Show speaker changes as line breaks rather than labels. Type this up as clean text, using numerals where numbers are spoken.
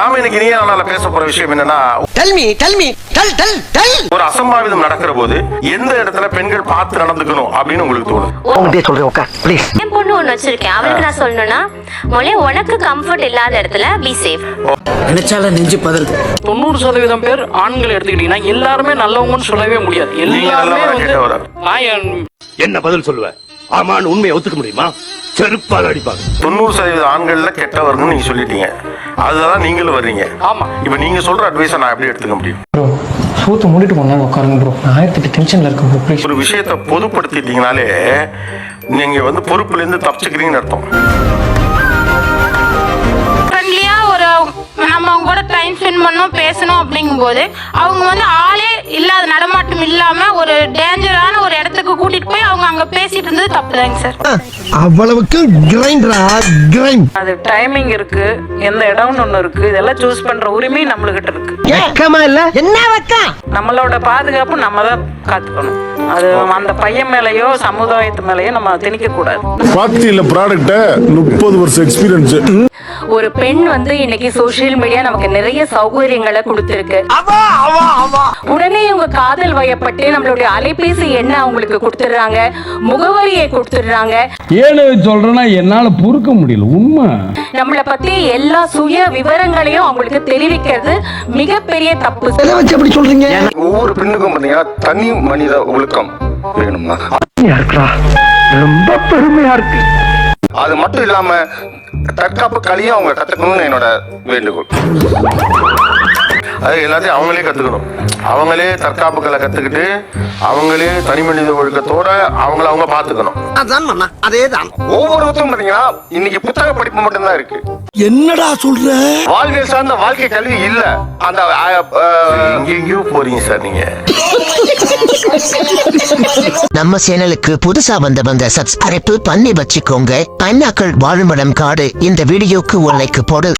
நாம இன்னைக்கு நீ நானால பேச போற விஷயம் என்னன்னா, ஒரு அசம்பாவிதம் நடக்கிற போது எந்த இடத்துல பெண்கள் பார்த்து நடந்துக்கணும் அப்படின்னு உங்களுக்கு தோணும்?
என் பொண்ணு ஒண்ணு வச்சிருக்கேன், அவளுக்கு நான் சொல்லணும்னா உனக்கு கம்ஃபர்ட் இல்லாத இடத்துல பி சேஃப்.
நினைச்சால நெஞ்சு பதறு.
90% பேர் ஆண்கள் எடுத்துக்கிட்டீங்கன்னா எல்லாருமே நல்லவங்கன்னு சொல்லவே முடியாது. எல்லாருமே
என்ன பதில் சொல்லுவ? ஆமான்னு உண்மையை ஒத்துக்க முடியுமா? செருப்பால் அடிப்பாங்க.
90% ஆண்கள்ல கெட்டவர்னு நீங்க சொல்லிட்டீங்க, அதுதான் நீங்களும் வர்றீங்க.
ஆமா,
இப்ப நீங்க சொல்ற அட்வைஸை நான் எப்படி எடுத்துக்க முடியும்?
சூத்து மூடிட்டு கொண்டா உட்காருங்க ப்ரோ, நான் 1008 டென்ஷன்ல இருக்கேன் ப்ரோ. ப்ளீஸ்.
ஒரு விஷயத்தை பொதுப்படுத்திட்டீங்கனாலே நீங்க பொறுப்புல இருந்து தப்பிச்சுக்கிறீங்கன்னு அர்த்தம்.
நம்ம அவங்க கூட டைம் ஸ்பெண்ட் பண்ணோம், பேசணும் அப்படிங்கும் போது அவங்க ஆளே இல்லாத நடமாட்டம் இல்லாம ஒரு டேஞ்சரான ஒரு இடத்துக்கு கூட்டிட்டு போய் அவங்க அங்க பேசிட்டு இருந்தது தப்புதாங்க சார்.
அவ்வளவுக்கு கிரைண்ட்.
அது டைமிங் இருக்கு, எந்த இடம்னு ஒண்ணு இருக்கு, இதெல்லாம் சூஸ் பண்ற உரிமை நம்மளுகிட்ட இருக்கு.
வெக்கமா இல்ல? என்ன வெக்கம்?
நம்மளோட பாதுகாப்பு நம்ம தான் காத்துக்கணும். அது அந்த பையன் மேலயோ சமுதாயத்து மேலயோ நம்ம திணிக்க கூடாது.
பாத்தியில ப்ராடக்ட் 30 வருஷம் எக்ஸ்பீரியன்ஸ்.
ஒரு பெண் இன்னைக்கு சோசியல் மீடியா நமக்கு நிறைய சௌகரியங்களை கொடுத்திருக்கு. உடனே இவங்க காதல் வயப்பட்டு நம்மளுடைய அலைபேசி எண்ண அவங்களுக்கு கொடுத்துடுறாங்க, முகவரியை கொடுத்துடுறாங்க.
ஏன்னு சொல்றேன்னா என்னால பொறுக்க முடியல. உண்மை
நம்மளை பத்தி எல்லா சுய விவரங்களையும் அவங்களுக்கு தெரிவிக்கிறது மிகப்பெரிய தப்பு.
எப்படி சொல்றீங்க?
ஒவ்வொரு பெண்ணுக்கும் பாத்தீங்கன்னா தனி மனித ஒழுக்கம் வேணும்னா
ரொம்ப பெருமையா இருக்கு.
அது மட்டும் இல்லாம தற்காப்பு கலையும் அவங்க கத்துக்கணும்னு என்னோட வேண்டுகோள். அது எல்லாத்தையும் அவங்களே கத்துக்கணும். அவங்களே தற்காப்பு கலை கத்துக்கிட்டு அவங்களே தனி மனித ஒழுக்கத்தோட அவங்க பாத்துக்கணும்.
அதேதான்.
ஒவ்வொருத்தரும் பாத்தீங்கன்னா இன்னைக்கு புத்தக படிப்பு மட்டும்தான் இருக்கு.
என்னடா சொல்ற?
வாழ்வியல் சார்ந்த வாழ்க்கை கல்வி இல்ல. அந்த எங்கேயோ போறீங்க சார் நீங்க.
நம்ம சேனலுக்கு புதுசா வந்தவங்க சப்ஸ்கிரைப் பண்ணி வச்சுக்கோங்க. பைனாக்கள் வாழுமிடம் காடு இந்த வீடியோக்கு ஒரு லைக் போடு.